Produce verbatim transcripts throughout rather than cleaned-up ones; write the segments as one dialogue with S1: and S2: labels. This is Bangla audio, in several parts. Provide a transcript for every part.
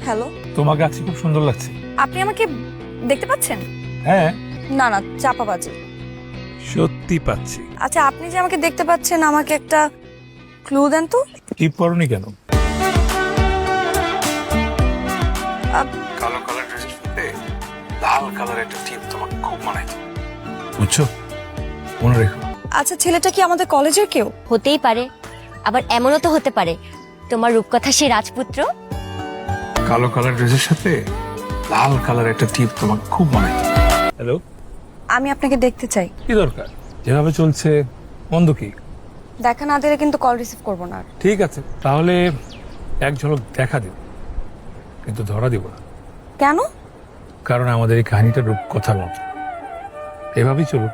S1: হ্যালো,
S2: তোমাকে আজকে খুব সুন্দর লাগছে।
S1: আপনি আমাকে দেখতে পাচ্ছেন?
S2: হ্যাঁ,
S1: না না, চাপাবাজি।
S2: সত্যি পাচ্ছি।
S1: আচ্ছা, আপনি যে আমাকে দেখতে পাচ্ছেন, আমাকে একটা ক্লু দেন তো।
S2: টিপ পরনি কেন?
S1: আপ-
S2: কালো কালার ড্রেসের সাথে লাল কালার একটা টিপ তোমাকে খুব মানায়, বুঝছো? মনে রেখো।
S1: আচ্ছা, ছেলেটা কি আমাদের কলেজের কেউ?
S3: হতেই পারে, আবার এমনও তো হতে পারে তোমার রূপকথা সেই রাজপুত্র।
S2: কালো কালার ড্রেসের সাথে লাল কালার একটা টিপ তোমাকে খুব মানায়। হ্যালো,
S1: আমি আপনাকে দেখতে চাই।
S2: কি দরকার? যেভাবে চলছে মন্দ কি?
S1: দেখা না দিলে কিন্তু কল রিসিভ করবো না আর।
S2: ঠিক আছে, তাহলে এক ঝলক দেখা দিব, কিন্তু ধরা দিব না।
S1: কেন?
S2: কারণ আমাদের এই কাহিনীটা রূপকথার মতো, এভাবেই চলুক।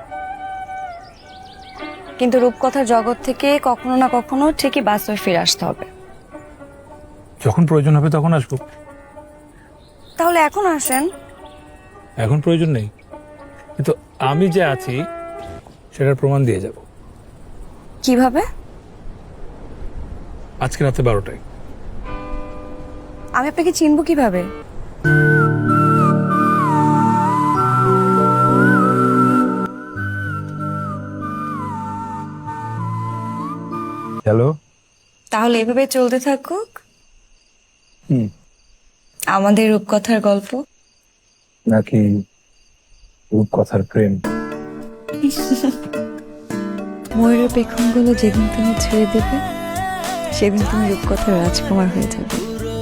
S1: কিন্তু রূপকথার জগৎ থেকে কখনো না কখনো ঠিকই বাস্তবে ফিরে আসতে হবে।
S2: যখন প্রয়োজন হবে তখন আসবো।
S1: তাহলে এখন আসেন।
S2: এখন প্রয়োজন নেই, কিন্তু আমি যে আছি সেটার প্রমাণ দিয়ে যাব
S1: কিভাবে?
S2: আজকে রাতে বারোটায়।
S1: আমি আপনাকে চিনবো কিভাবে?
S2: হ্যালো।
S1: তাহলে এভাবে চলতে থাকুক
S2: হুম।
S1: আমাদের রূপকথার গল্প।
S2: নাকি রূপকথার প্রেম?
S1: ময়ূরের পেখমগুলো যেদিন তুমি ছেড়ে দেবে, সেদিন তুমি রূপকথার রাজকুমার হয়ে যাবে।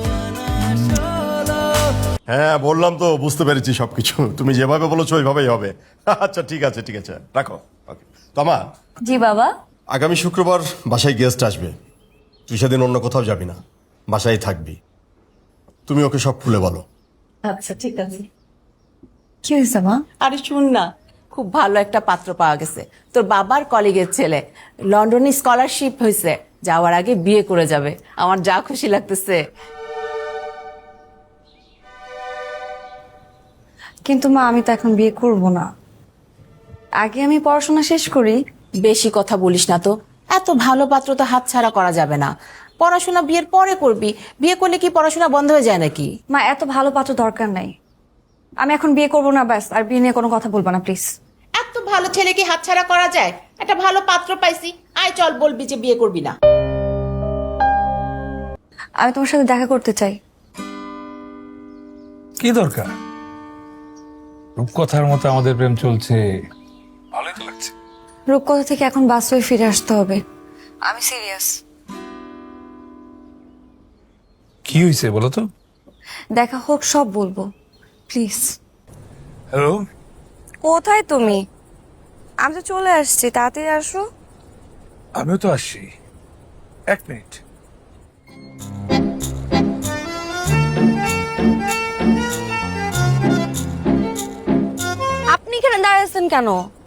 S4: হ্যাঁ বললাম তো, বুঝতে পেরেছি সবকিছু। তুমি যেভাবে বলেছো ওইভাবেই হবে। আচ্ছা ঠিক আছে ঠিক আছে, রাখো। ওকে তোমা,
S1: জি বাবা।
S4: আগামী শুক্রবার বাসায় গেস্ট আসবে, তুই সেদিন অন্য কোথাও যাবি না, বাসায় থাকবি। তুমি ওকে সব খুলে বলো।
S5: আচ্ছা ঠিক আছে।
S1: কি হয়েছে মা?
S5: আরে শুন না, খুব ভালো একটা পাত্র পাওয়া গেছে, তোর বাবার কলিগের ছেলে, লন্ডনে স্কলারশিপ হয়েছে, যাওয়ার আগে বিয়ে করে যাবে। আমার যা খুশি লাগতেছে।
S1: কিন্তু মা, আমি তো এখন বিয়ে করব না, আগে আমি পড়াশোনা শেষ করি।
S5: বেশি কথা বলিস না তো, এত ভালো পাত্র তো হাতছাড়া করা যাবে না। পড়াশোনা বিয়ের পরে করবি, বিয়ে করলে কি পড়াশোনা বন্ধ হয়ে যায় নাকি?
S1: মা, এত ভালো পাত্র দরকার নাই, আমি এখন বিয়ে করব না, ব্যাস। আর বিয়ে নিয়ে কোনো কথা বলবো না প্লিজ।
S5: এত ভালো ছেলে কি হাতছাড়া করা যায়? একটা ভালো পাত্র পাইছি, আয় চল, বলবি যে বিয়ে করবি না।
S1: আমি তোমার সাথে দেখা করতে চাই।
S2: কি দরকার? রূপকথার মতো আমাদের প্রেম চলছে, ভালোই তো লাগছে।
S1: রূপকথা থেকে এখন বাস্তবে ফিরে আসতে হবে, আমি সিরিয়াস।
S2: কি হয়েছে বলো তো?
S1: দেখা হোক, সব বলবো, প্লিজ।
S2: হ্যালো।
S1: কোথায় তুমি? আমি তো চলে আসছি, তাড়াতাড়ি আসো।
S2: আমিও তো আসছি, এক মিনিট।
S1: আপনি এখানে দাঁড়াচ্ছেন কেন?